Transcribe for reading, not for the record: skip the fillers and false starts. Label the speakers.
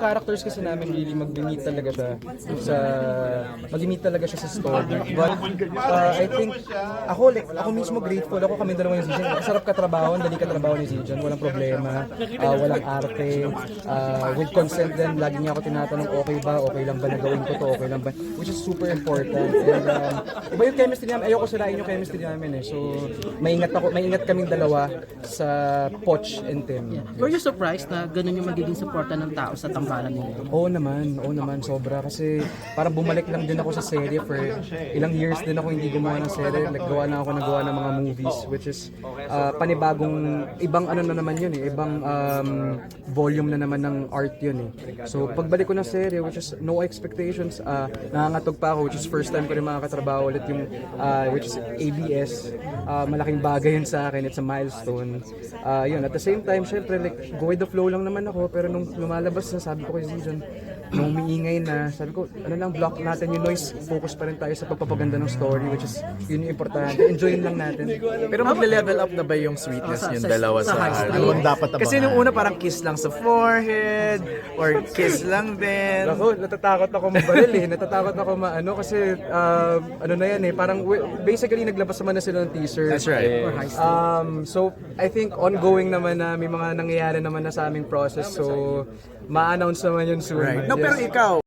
Speaker 1: characters kasi namin really mag-meet talaga siya sa story. But I think ako mismo grateful ako, kami dalawa yung Zijan. Masarap katrabaho, dali katrabaho ni Zijan, walang problema, walang arte. With consent din, lagi niya ako tinatanong okay lang ba na gawin ko to, okay lang ba, which is super important. And iba yung chemistry namin, ayoko sirain yung chemistry namin so maingat kaming dalawa sa Poch and Tim.
Speaker 2: Were you surprised na ganun yung magiging suporta ng tao sa tambalan ninyo?
Speaker 1: Oo naman, sobra. Kasi parang bumalik lang din ako sa serye for ilang years din ako hindi gumawa ng serye. Nagawa ng mga movies, which is panibagong, ibang ano na naman yun ibang volume na naman ng art yun So pagbalik ko ng serye, which is no expectations, nangangatog pa ako, which is first time ko rin makakatrabaho ulit yung, which is ABS. Malaking bagay yun sa akin, it's a milestone. Yun, at the same time, syempre, like, go with the flow lang naman ako, pero nung lumalabas na, sabi ko kay Zijan, nung umiingay na, sabi ko, block natin yung noise, focus pa rin tayo sa pagpapaganda ng story, which is, yun yung importante, enjoyin lang natin.
Speaker 3: Pero magle-level up na ba yung sweetness yung dalawa sa
Speaker 4: Ano dapat abangan?
Speaker 3: Kasi nung una parang kiss lang sa forehead or kiss lang din.
Speaker 1: Ako, natatakot ako mabaril natatakot ako kasi ano na yan parang basically naglabas naman na sila ng teaser.
Speaker 3: That's right.
Speaker 1: So I think ongoing naman na may mga nangyayari naman na sa aming process, so ma-announce naman yun soon.
Speaker 3: Right. No, pero ikaw,